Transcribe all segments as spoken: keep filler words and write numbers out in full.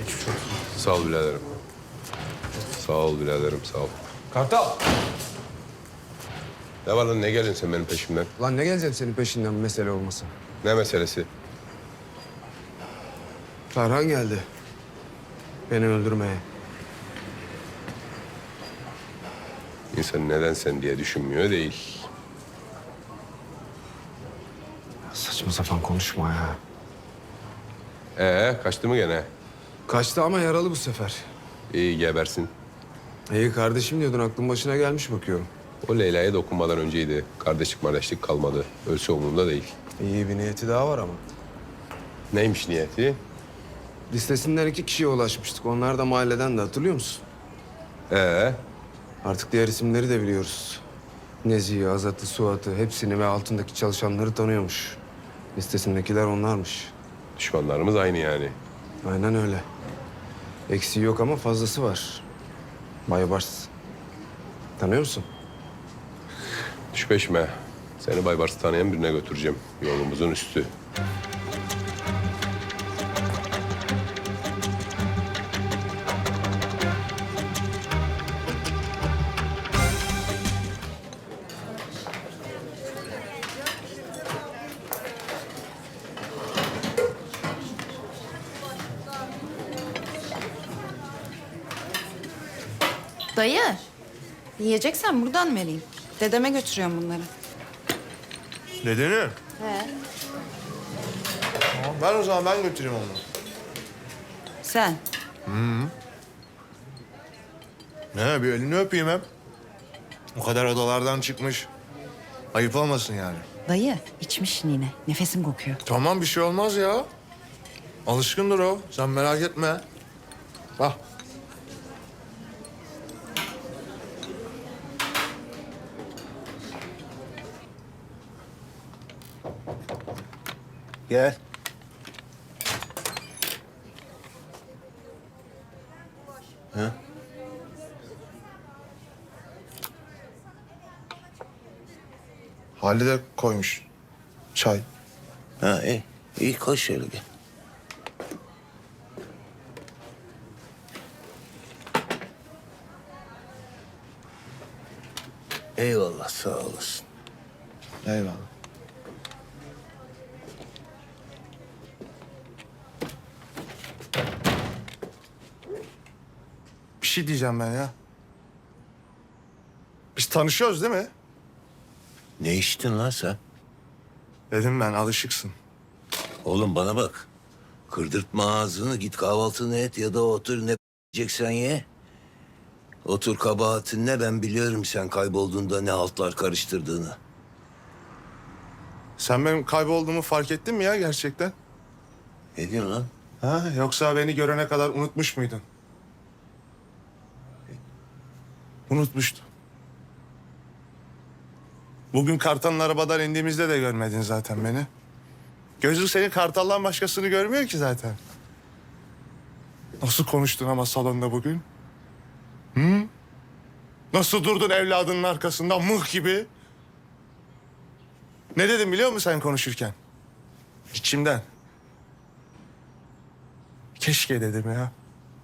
Geçmiş olsun. Sağ ol biraderim. Sağ ol biraderim, sağ ol. Kartal! Ne var lan, ne geldin sen benim peşimden? Lan ne geleceğim senin peşinden bir mesele olmasa? Ne meselesi? Ferhan geldi. Beni öldürmeye. İnsan neden sen diye düşünmüyor değil. Saçma sapan konuşma ya. Ee, kaçtı mı gene? Kaçtı ama yaralı bu sefer. İyi, gebersin. İyi kardeşim diyordun, aklın başına gelmiş bakıyorum. O Leyla'ya dokunmadan önceydi. Kardeşlik kardeşlik kalmadı. Ölse umurumda değil. İyi bir niyeti daha var ama. Neymiş niyeti? Listesinden iki kişiye ulaşmıştık. Onlar da mahalleden de, hatırlıyor musun? Ee, Artık diğer isimleri de biliyoruz. Nezih'i, Azat'ı, Suat'ı hepsini ve altındaki çalışanları tanıyormuş. Listesindekiler onlarmış. düşmanlarımız aynı yani. Aynen öyle. Eksiği yok ama fazlası var. Baybars. Tanıyor musun? Düş peşime. Seni Baybars'ı tanıyan birine götüreceğim. Yolumuzun üstü. Dayı, yiyeceksen buradan vereyim. Dedeme götürüyorum bunları. Nedeni? He. Tamam, ben o zaman ben götüreyim onu. Sen? Ne, bir elini öpeyim hep. O kadar odalardan çıkmış. Ayıp olmasın yani. Dayı, içmişsin yine. Nefesim kokuyor. Tamam, bir şey olmaz ya. Alışkındır o. Sen merak etme. Bak. Gel. Ha? Halide koymuş. Çay. Ha iyi. İyi koş şöyle gel. Eyvallah sağ olasın. Eyvallah. Bir şey diyeceğim ben ya. Biz tanışıyoruz değil mi? Ne içtin lan sen? Dedim ben, alışıksın. Oğlum bana bak. Kırdırtma ağzını, git kahvaltını et ya da otur ne yiyeceksen ye. Otur, kabahatin ne, ben biliyorum sen kaybolduğunda ne haltlar karıştırdığını. Sen benim kaybolduğumu fark ettin mi ya gerçekten? Ne diyorsun lan? Ha, yoksa beni görene kadar unutmuş muydun? Unutmuştum. Bugün Kartal'ın arabadan indiğimizde de görmedin zaten beni. Gözün senin Kartal'dan başkasını görmüyor ki zaten. Nasıl konuştun ama salonda bugün? Hı? Nasıl durdun evladının arkasından mıh gibi? Ne dedim biliyor musun sen konuşurken? İçimden. Keşke dedim ya.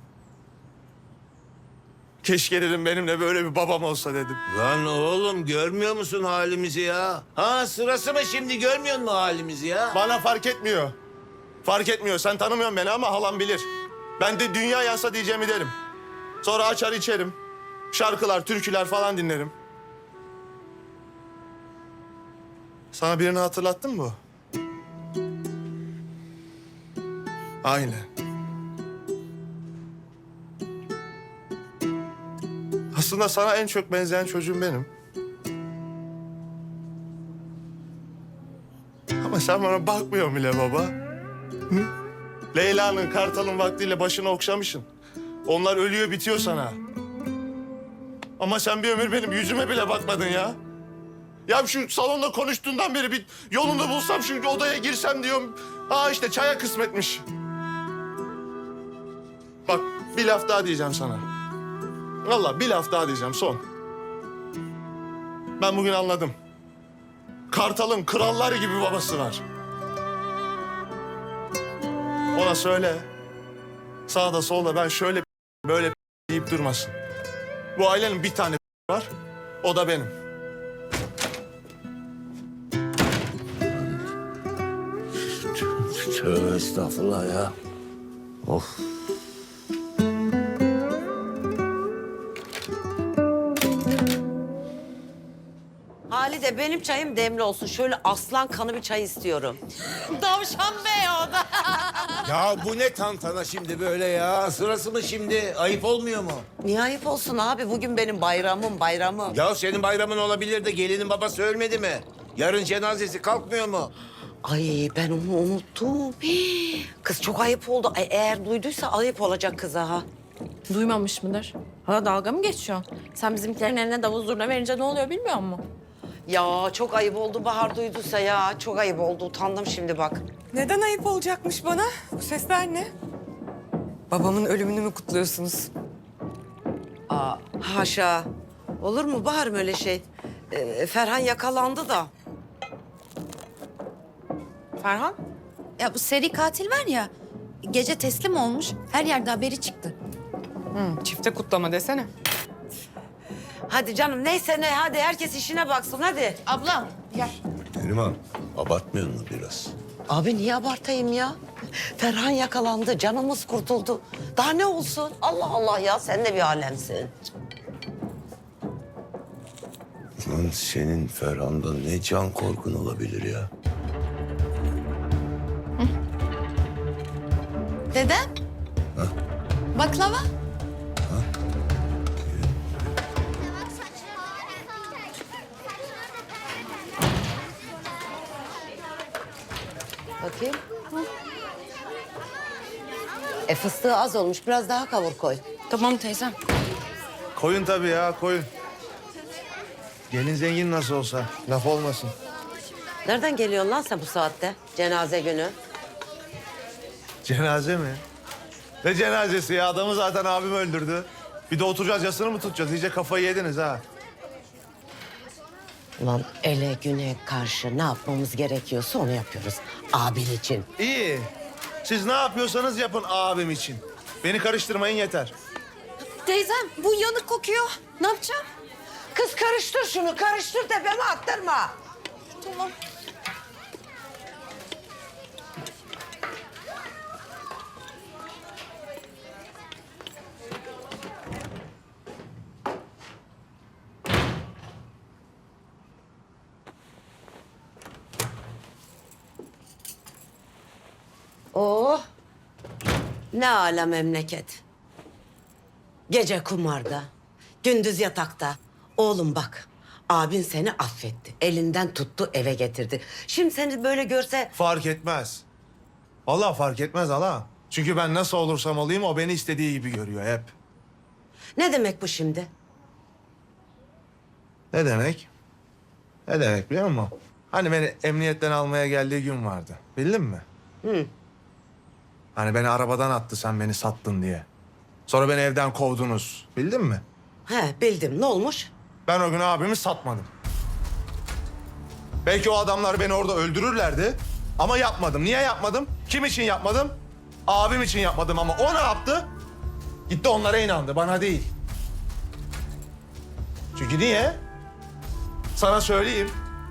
Keşke dedim benimle böyle bir babam olsa dedim. Lan oğlum görmüyor musun halimizi ya? Ha, sırası mı şimdi, görmüyor musun halimizi ya? Bana fark etmiyor. Fark etmiyor. Sen tanımıyorsun beni ama halam bilir. Ben de dünya yansa diyeceğimi derim. Sonra açar içerim. Şarkılar, türküler falan dinlerim. Sana birini hatırlattın mı bu? Aynen. Aslında sana en çok benzeyen çocuğum benim. Ama sen bana bakmıyorsun bile baba. Hı? Leyla'nın, Kartal'ın vaktiyle başını okşamışsın. Onlar ölüyor, bitiyor sana. Ama sen bir ömür benim yüzüme bile bakmadın ya. Ya şu salonda konuştuğundan beri bir yolunu bulsam, şu odaya girsem diyorum. Aa işte çaya kısmetmiş. Bak bir laf daha diyeceğim sana. Vallahi bir laf daha diyeceğim, son. Ben bugün anladım. Kartal'ın krallar gibi babası var. Ona söyle. Sağda solda ben şöyle böyle deyip durmasın. Bu ailenin bir tane var. O da benim. Tövbe estağfurullah ya. Of. Halide benim çayım demli olsun. Şöyle aslan kanı bir çay istiyorum. Tavşan Bey o da. Ya bu ne tantana şimdi böyle ya? Sırası mı şimdi? Ayıp olmuyor mu? Niye ayıp olsun abi? Bugün benim bayramım, bayramım. Ya senin bayramın olabilir de gelinin babası ölmedi mi? Yarın cenazesi kalkmıyor mu? Ay ben onu unuttum. Hii, Kız çok ayıp oldu. Ay, eğer duyduysa ayıp olacak kıza ha. Duymamış mıdır? Ha dalga mı geçiyor? Sen bizimkilerin eline davul zurna verince ne oluyor bilmiyor musun? Ya çok ayıp oldu Bahar duyduysa ya. Çok ayıp oldu. Utandım şimdi bak. Neden ayıp olacakmış bana? Bu sesler ne? Babamın ölümünü mü kutluyorsunuz? Aa, haşa. Olur mu Bahar öyle şey? Ee, Ferhan yakalandı da. Ferhan? Ya bu seri katil var ya, gece teslim olmuş, her yerde haberi çıktı. Hı, çifte kutlama desene. Hadi canım neyse ne hadi herkes işine baksın hadi. Abla, gel. Neriman, abartmıyor mu biraz? Abi niye abartayım ya? Ferhan yakalandı, canımız kurtuldu. Daha ne olsun? Allah Allah ya sen de bir alemsin. Lan senin Ferhan'dan ne can korkun olabilir ya? Dedem. Baklava. Bakayım. E fıstığı az olmuş, biraz daha kavur koy. Tamam teyzem. Koyun tabii ya koyun. Gelin zengin nasıl olsa laf olmasın. Nereden geliyorsun lan sen bu saatte? Cenaze günü. Cenaze mi? Ne cenazesi ya? Adamı zaten abim öldürdü. Bir de oturacağız yasını mı tutacağız? İyice kafayı yediniz ha. Ulan ele güne karşı ne yapmamız gerekiyorsa onu yapıyoruz. Abin için. İyi. Siz ne yapıyorsanız yapın abim için. Beni karıştırmayın yeter. Teyzem, bu yanık kokuyor. Ne yapacağım? Kız karıştır şunu, karıştır tepeme attırma. Tamam. Oh. Ne ala memleket. Gece kumarda, gündüz yatakta. Oğlum bak, abin seni affetti. Elinden tuttu, eve getirdi. Şimdi seni böyle görse... Fark etmez. Vallahi fark etmez hala. Çünkü ben nasıl olursam olayım o beni istediği gibi görüyor hep. Ne demek bu şimdi? Ne demek? Ne demek biliyor musun? Hani beni emniyetten almaya geldiği gün vardı. Bildin mi? Hı. Hani beni arabadan attı sen beni sattın diye. Sonra beni evden kovdunuz. Bildin mi? He, bildim. Ne olmuş? Ben o gün abimi satmadım. Belki o adamlar beni orada öldürürlerdi. Ama yapmadım. Niye yapmadım? Kim için yapmadım? Abim için yapmadım ama o ne yaptı? Gitti onlara inandı, bana değil. Çünkü niye? Sana söyleyeyim.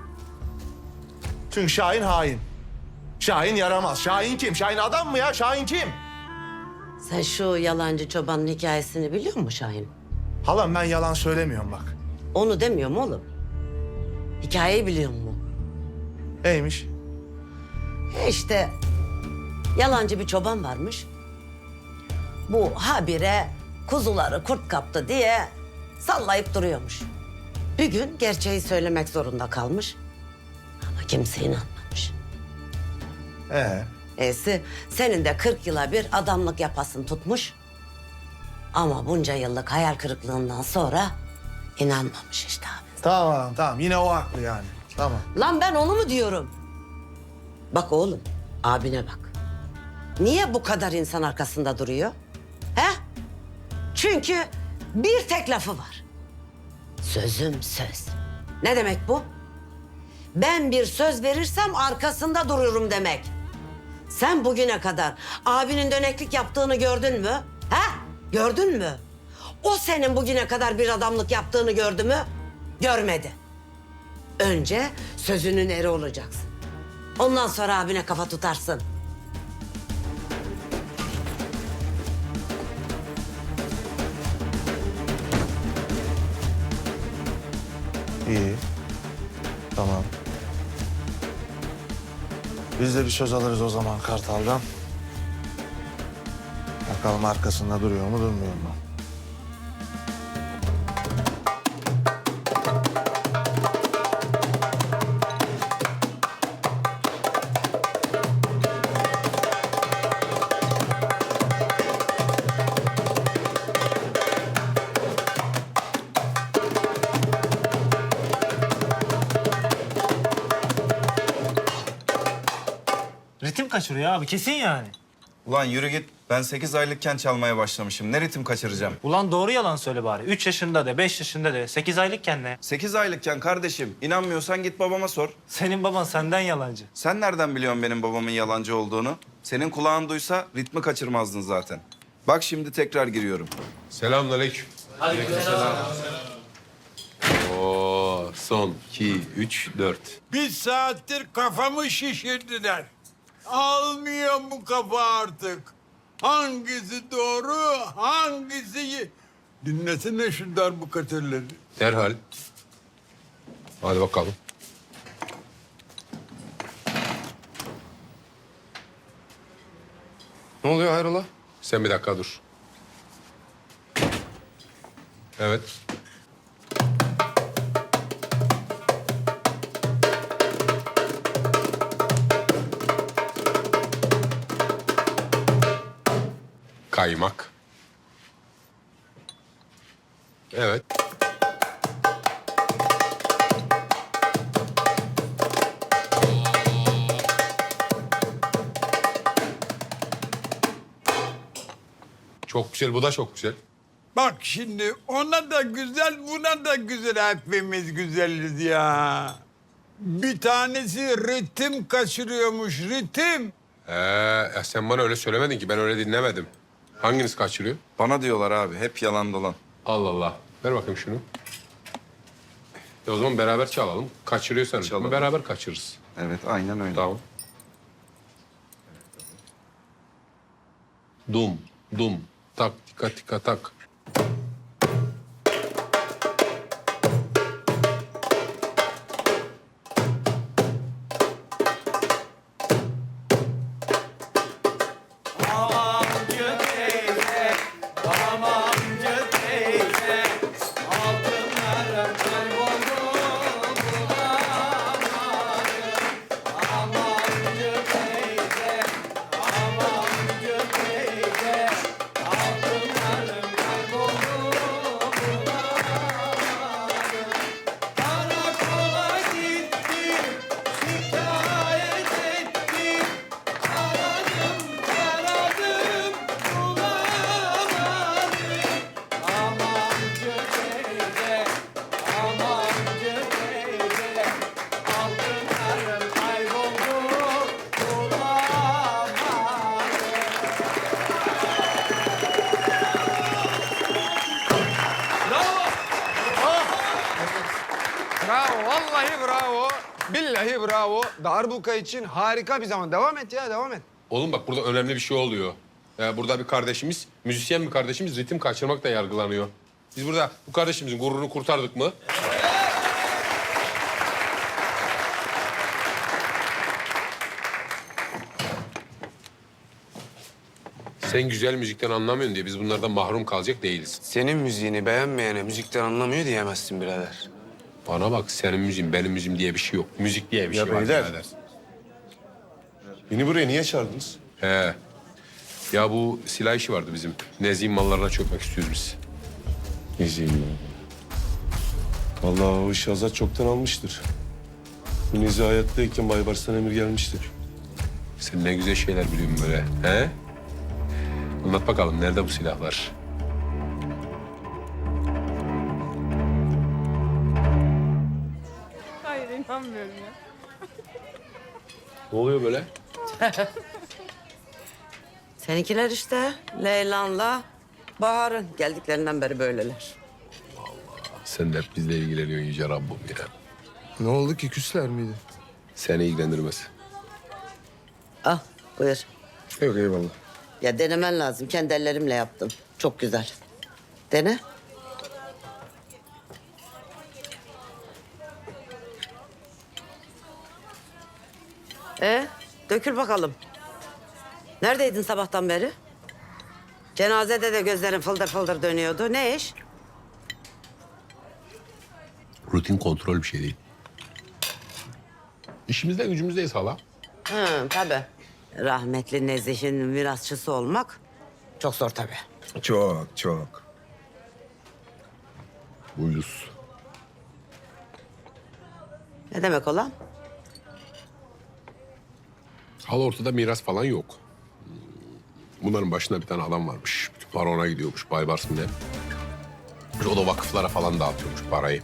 Çünkü Şahin hain. Şahin yaramaz. Şahin kim? Şahin adam mı ya? Şahin kim? Sen şu yalancı çobanın hikayesini biliyor musun Şahin? Halam ben yalan söylemiyorum bak. Onu demiyorum oğlum. Hikayeyi biliyor musun? Neymiş? E işte yalancı bir çoban varmış. Bu habire kuzuları kurt kaptı diye sallayıp duruyormuş. Bir gün gerçeği söylemek zorunda kalmış. Ama kimse inanmamış. Ee, E'si senin de kırk yıla bir adamlık yapasın tutmuş. Ama bunca yıllık hayal kırıklığından sonra inanmamış işte abi. tamam halam tamam. Yine o haklı yani. Tamam. Lan ben onu mu diyorum? Bak oğlum, abine bak. Niye bu kadar insan arkasında duruyor? He? Çünkü bir tek lafı var. Sözüm söz. Ne demek bu? Ben bir söz verirsem arkasında dururum demek. Sen bugüne kadar abinin döneklik yaptığını gördün mü? Ha? Gördün mü? O senin bugüne kadar bir adamlık yaptığını gördü mü? Görmedi. Önce sözünün eri olacaksın. Ondan sonra abine kafa tutarsın. İyi. Tamam. Biz de bir söz alırız o zaman Kartal'dan. Bakalım arkasında duruyor mu durmuyor mu? Ritim kaçırıyor abi kesin yani. Ulan yürü git. Ben sekiz aylıkken çalmaya başlamışım. Ne ritim kaçıracağım? Ulan doğru yalan söyle bari. Üç yaşında de, beş yaşında de, sekiz aylıkken ne? Sekiz aylıkken kardeşim. İnanmıyorsan git babama sor. Senin baban senden yalancı. Sen nereden biliyorsun benim babamın yalancı olduğunu? Senin kulağın duysa ritmi kaçırmazdın zaten. Bak şimdi tekrar giriyorum. Selamünaleyküm. Aleykümselam. Oo, son iki, üç, dört. Bir saattir kafamı şişirdiler. Almıyor bu kafa artık. Hangisi doğru, hangisi... Dinlesene şu darbukatörleri. Derhal. Hadi bakalım. Ne oluyor hayrola? Sen bir dakika dur. Evet. Kaymak. Evet. Çok güzel, bu da çok güzel. Bak şimdi ona da güzel, buna da güzel. Hepimiz güzeliz ya. Bir tanesi ritim kaçırıyormuş, ritim. Ee, ya sen bana öyle söylemedin ki, ben öyle dinlemedim. Hanginiz kaçırıyor? Bana diyorlar abi. Hep yalan dolan. Allah Allah. Ver bakayım şunu. E o zaman beraber çalalım. Kaçırıyorsan Çalalım. beraber kaçırırız. Evet aynen öyle. Tamam. Dum, dum, tak, tika, tika, tak. Bravo, vallahi bravo. Billahi bravo. Darbuka için harika bir zaman. Devam et ya, devam et. Oğlum bak burada önemli bir şey oluyor. Ya burada bir kardeşimiz, müzisyen bir kardeşimiz ritim kaçırmakla yargılanıyor. Biz burada bu kardeşimizin gururunu kurtardık mı? Sen güzel müzikten anlamıyorsun diye biz bunlardan mahrum kalacak değiliz. Senin müziğini beğenmeyene müzikten anlamıyor diyemezsin birader. Bana bak, senin müziğin, benim müziğim diye bir şey yok. Müzik diye bir Ya şey var. beyler. birader. Beni buraya niye çağırdınız? He. Ya bu silah işi vardı bizim. Nezih'in mallarına çökmek istiyoruz biz. Nezih'in mi? Vallahi o işi Azat çoktan almıştır. Bu Nezih hayattayken Baybars'tan emir gelmiştir. Sen ne güzel şeyler biliyorsun böyle. He? Anlat bakalım, nerede bu silahlar? Hayır inanmıyorum ya. Ne oluyor böyle? Seninkiler işte Leylan'la Bahar'ın geldiklerinden beri böyleler. Sen de hep bizle ilgileniyorsun Yüce Rabbim ya. Ne oldu ki, küsler miydi? Seni ilgilendirmez. Al buyur. Yok, eyvallah. Ya denemen lazım. Kendi ellerimle yaptım. Çok güzel. Dene. E, dökül bakalım. Neredeydin sabahtan beri? Cenazede de gözlerin fıldır fıldır dönüyordu. Ne iş? Rutin kontrol bir şey değil. İşimizde gücümüzdeyiz hala. Hı, tabii. Rahmetli Nezih'in mirasçısı olmak çok zor tabii. Çok, çok. Buyuz. Ne demek olan? Hala ortada miras falan yok. Bunların başında bir tane adam varmış. Bütün para ona gidiyormuş. Baybars mı ne? O da vakıflara falan dağıtıyormuş parayı.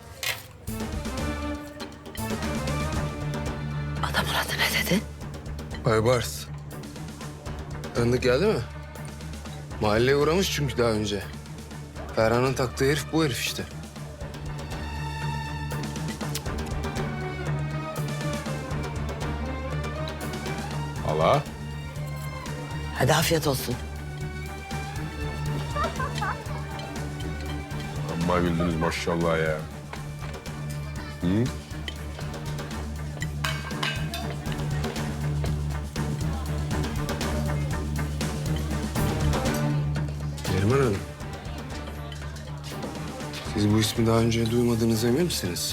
Adamın adı ne dedin? Baybars. Tanıdık geldi mi? Mahalleye uğramış çünkü daha önce. Ferhan'ın taktığı herif bu herif işte. Hala. Hadi afiyet olsun. Amma güldünüz maşallah ya. Hı? Neriman Hanım. Siz bu ismi daha önce duymadığınıza emin misiniz?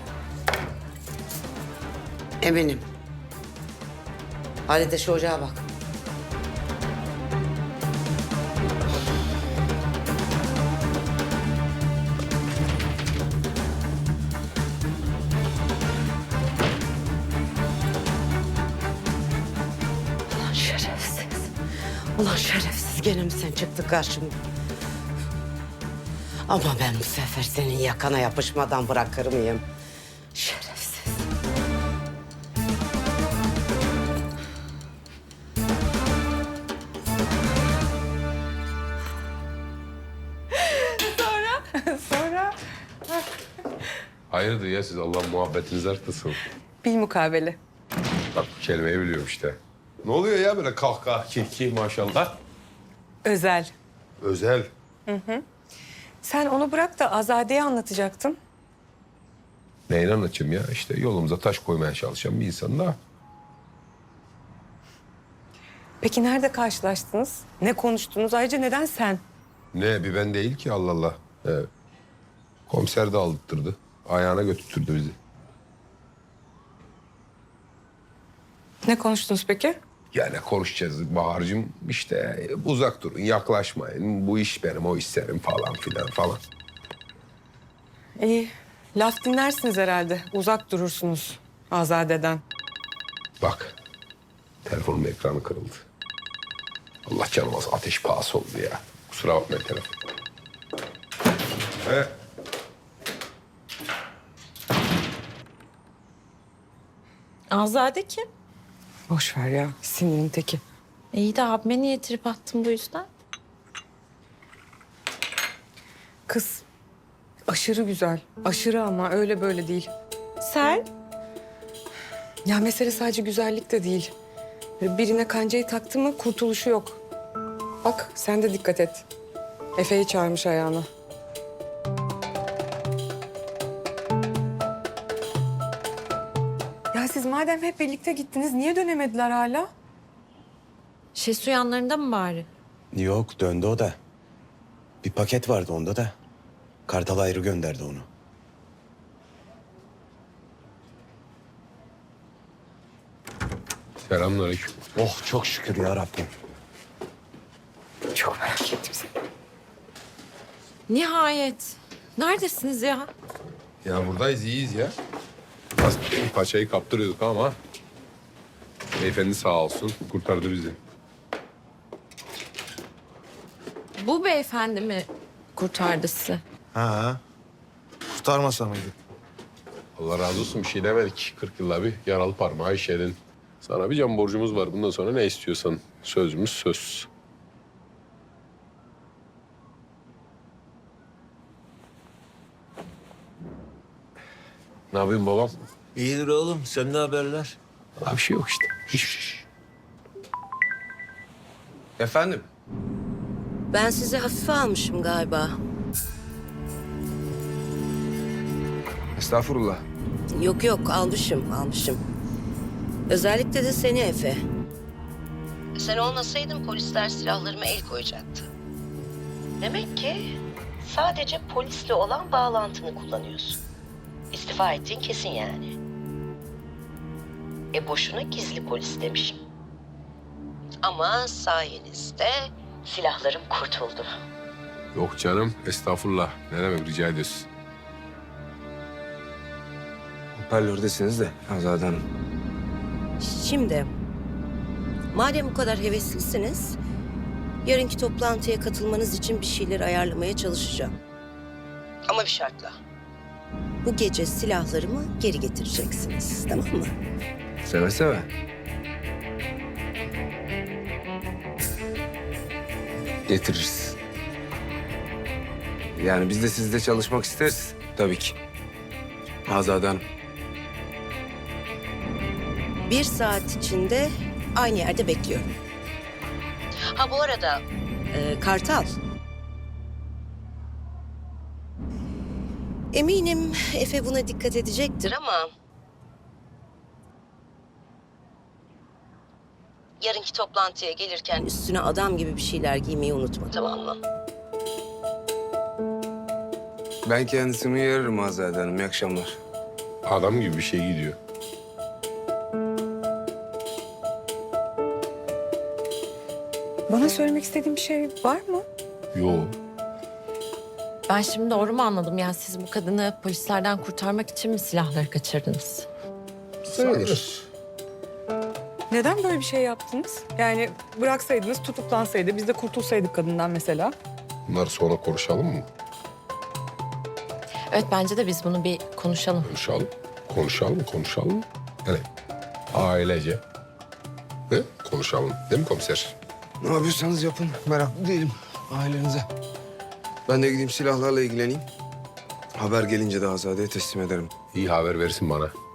Eminim. Halide şu ocağa bak. Ulan şerefsiz. Ulan şerefsiz gene mi sen çıktın karşıma? Ama ben bu sefer senin yakana yapışmadan bırakır mıyım? Şerefsiz. Sonra Hayırdır ya siz Allah muhabbetinizi arttırsın. bilmukabele. Bak bu kelimeyi biliyorum işte. Ne oluyor ya böyle kahkaha, kiki maşallah. Özel. Özel. Sen onu bırak da Azade'ye anlatacaktın. Neyin anlatayım ya? İşte yolumuza taş koymaya çalışan bir insan da. Peki nerede karşılaştınız? Ne konuştunuz? Ayrıca neden sen? Ne bir ben değil ki Allah Allah. Evet. Komiser de aldırttırdı. Ayağına götürttürdü bizi. Ne konuştunuz peki? Yani konuşacağız Bahar'cığım işte uzak durun yaklaşmayın. Bu iş benim o iş senin falan filan falan. İyi. Laf dinlersiniz herhalde. Uzak durursunuz Azade'den. Bak telefonun ekranı kırıldı. Allah canım az ateş pahası oldu ya. Kusura bakmayın telefon. He. Azade kim? Boş ver ya. Sinirin teki. İyi de abime niye trip attın bu yüzden? Kız aşırı güzel. Aşırı ama öyle böyle değil. Sen? Ya mesele sadece güzellik de değil. Birine kancayı taktı mı kurtuluşu yok. Bak sen de dikkat et. Efe'yi çağırmış ayağına. Ya siz madem hep birlikte gittiniz niye dönemediler hala? Şesu yanlarında mı bari? Yok döndü o da. Bir paket vardı onda da. Kartal ayrı gönderdi onu. Selamünaleyküm. Oh çok şükür ya Rabbim. Çok merak ettim seni. Nihayet. Neredesiniz ya? Ya buradayız iyiyiz ya. Az paçayı kaptırıyorduk ama beyefendi sağ olsun kurtardı bizi. Bu beyefendi mi kurtardı sizi? Ha. Kurtarmasa mıydı? Allah razı olsun bir şey demedik. kırk yılda bir yaralı parmağı işledin. Sana bir can borcumuz var. Bundan sonra ne istiyorsan Sözümüz söz. Ne yapıyorsun babam? İyidir oğlum. Sen ne haberler? Abi bir şey yok işte. Hiçbir şey. Efendim? Ben sizi hafife almışım galiba. Estağfurullah. Yok yok almışım almışım. Özellikle de seni Efe. Sen olmasaydın polisler silahlarıma el koyacaktı. Demek ki sadece polisle olan bağlantını kullanıyorsun. İstifa ettiğin kesin yani. E boşuna gizli polis demişim. Ama sayenizde silahlarım kurtuldu. Yok canım, estağfurullah. Ne demek, rica ediyorsun. Hoparlördesiniz de Azade Hanım. Şimdi, madem bu kadar heveslisiniz, yarınki toplantıya katılmanız için bir şeyler ayarlamaya çalışacağım. Ama bir şartla. Bu gece silahlarımı geri getireceksiniz, tamam mı? Seve seve. Getiririz. Yani biz de sizle çalışmak isteriz tabii ki. Azade Hanım. Bir saat içinde aynı yerde bekliyorum. Ha bu arada e, Kartal. Eminim Efe buna dikkat edecektir ama... yarınki toplantıya gelirken üstüne adam gibi bir şeyler giymeyi unutma, tamam mı? Ben kendisini uyarırım Azade Hanım. İyi akşamlar. Adam gibi bir şey gidiyor. Bana söylemek istediğin bir şey var mı? Yo. Ben şimdi doğru mu anladım? Yani siz bu kadını polislerden kurtarmak için mi silahları kaçırdınız? Sayılır. Neden böyle bir şey yaptınız? Yani bıraksaydınız tutuklansaydı, biz de kurtulsaydık kadından mesela. Bunları sonra konuşalım mı? Evet, bence de biz bunu bir konuşalım. Konuşalım. Konuşalım, konuşalım. Yani ailece. Ne? Konuşalım. Değil mi komiser? Ne yapıyorsanız yapın. Meraklı değilim ailenize. Ben de gideyim silahlarla ilgileneyim. Haber gelince de Azade'ye teslim ederim. İyi haber versin bana.